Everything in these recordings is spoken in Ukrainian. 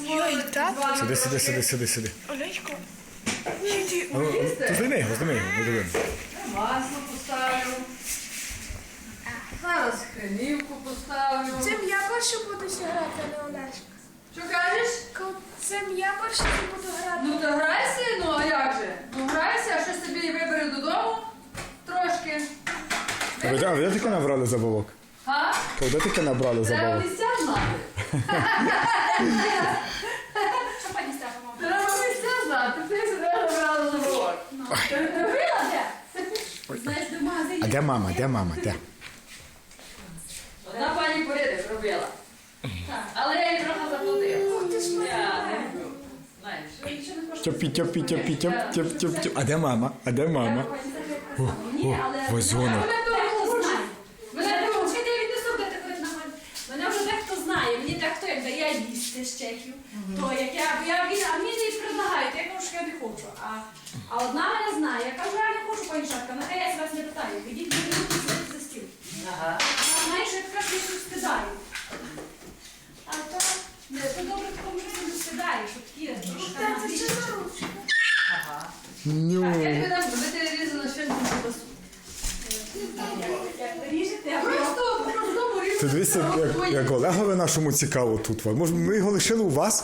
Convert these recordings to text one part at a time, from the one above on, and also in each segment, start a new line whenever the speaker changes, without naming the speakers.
Ой, так?
Сиди.
Олечко.
Ти зніми його, не дивимо.
Масло поставлю. Зараз хренівку поставлю.
Цим я перше буду грати, а не Олешко.
Що кажеш?
Цим я перше буду грати.
Ну то грайся, ну а як же? Ну грайся, а що собі вибери додому трошки.
А де таке набрали забавок?
А?
Де таке набрали
Треба
забавок?
місця знати.
Що пані Стефа,
Треба місця знати. Ти сюди набрала забавок. Ти робила де?
знаєш, до магазині.
А де мама? Де?
Одна пані порядок робила. Але я їй трохи заплатила. Я не люблю. Знаєш.
Тьоп. А де мама?
Ні, але...
Вазонок.
Мене вже дехто знає, мені дехто як дає їсти з чехів, то як а мені не предлагають, я кажу, що я не хочу. А одна мене знає, я кажу, я не хочу пані Шатка, нехай я вас не питаю, ідіть сидіти за стіл.
Ага.
Вона знає, що я така, що я щось скидаю. А то добре такому життю не скидаєш, от такі трошки на більше.
Ага.
Ню.
Так, я тобі дам, ви телевізор на щось ковбасу.
Як ви ріжете, а
Просто по-простому різати.
Ти дивися, як Олегові нашому цікаво тут. Може, ми його лишили у вас?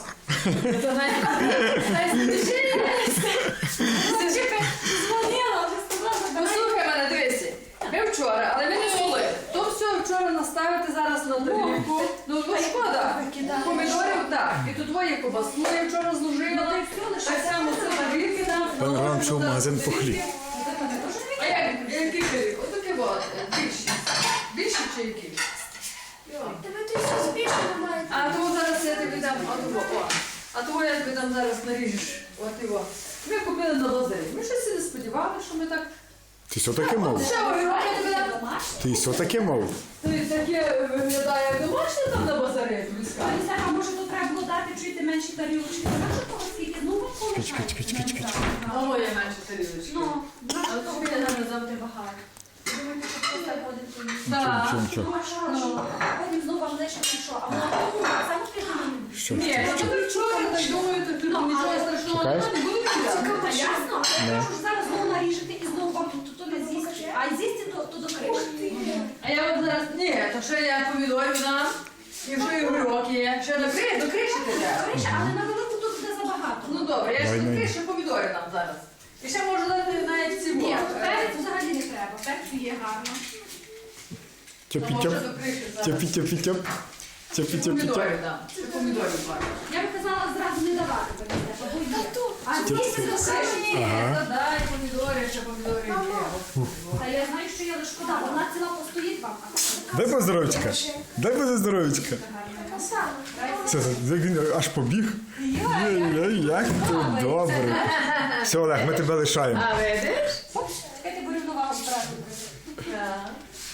дзвонила, вже сказала,
Послухай мене, дивися. Ми вчора, але ми не солили. То все вчора наставити зараз на тарілку. Ну шкода. Помідорів, так. І тут твоє ковбасу я вчора зложила. Так само це тарілки нам.
Пане Роман пішов в магазин по хліб.
А який хліб? Отаке вот. Більші. Більші чи які?
Тебе ти все збільшено маєте.
А того зараз я тобі дам, а того я тобі дам зараз наріжеш. От його. Ми купили на базарі. Ми щось не сподівалися, що ми так...
Ти що таке мов?
Ще огірок я тобі дам.
Ти що таке мов?
Ти таке виглядає, як домашнє там на базарі, я тобі скажу.
А може тут треба було дати чуєте менші тарілочки? Може того скільки? Ну,
Чекай.
А моє менше тарілочки.
Ну, а то буде нам завжди багато. Думаєте, що хтось так один поїсть?
Так.
Нічого.
Ну, а що? Потім знову вам лише пішов. А воно саме ти
Що?
Ні, я тобі вчора так думаю, то тут нічого страшного
Чекаєш?
не буде кидати.
А ясно? Я кажу, зараз знову наріжете і знову вам то не з'їсти. А з'їсти то до кришки.
А я от зараз, ні, то ще я помідорів дам, і вже і огірок є. Ще до криші ти треба.
Криша, але на велику тут буде забагато.
Ну добре, я ще
Дай
до
мені.
криші помідори дам зараз. І ще можу дати навіть ці
Ні, перець взагалі не треба. Перцю є гарно.
Тьопі-тьоп.
Може до криші зараз.
Тьопі-тьоп.
Помідорів дам. Ще помідорів бачу.
Я б казала зразу не давати, бо є. А з'їсти до кришки.
Ні, дай помідори, ще помідорів є.
Та я знаю, що я не шкода, бо вона ціла постоїть вам.
Дай поздоровечка. Здоровечка.
Така сама.
Це він аж побіг. Як тут добре. Все, Олег, ми тебе лишаємо.
А видиш?
Чекайте, бо рівновагу збирати.
Так.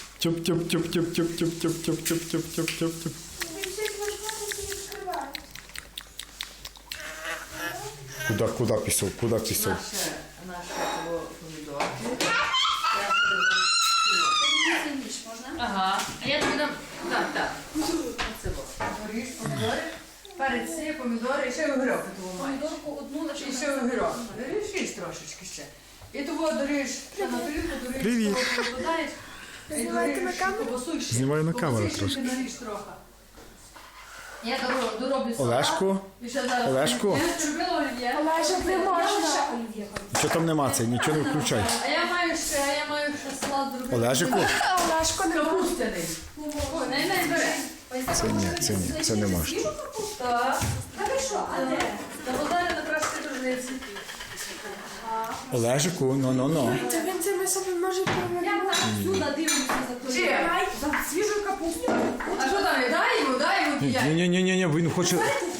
Тьоп-тьоп-тьоп-тьоп-тьоп-тьоп-тьоп-тьоп-тьоп. Куда пішов?
Наше помідорки.
Ніж можна?
Ага. А я тобі дам. Так. Оце во. Горіш, помідори. Перець, помідори і ще огірок того маєш.
Помідорку одну лише.
І ще огірок. Доріж трошечки ще. І того доріж ще на тарілку, доріж.
Привіт.
Додаєш.
Знімаєте на камеру?
Знімаю на камеру трошки.
Наріж трохи. Я дороблю салат.
Олешку?
І ще зараз.
Олешку?
Я зробила олів'є.
Олежик, не можна.
Нічого там нема, це нічого не включай.
А я маю ще салат зробити.
Олежику?
Олежко не
Капустяний. О, не бере.
Це не можна.
Так.
Та ви що, а де?
Та базарі на кращій дружниці.
Олежику, ну.
Та він це ми собі може провели. Я так сюди дивлюся за той.
Чи?
За свіжу капусту.
А що там? Дай йому п'ять.
Ні, він хоче.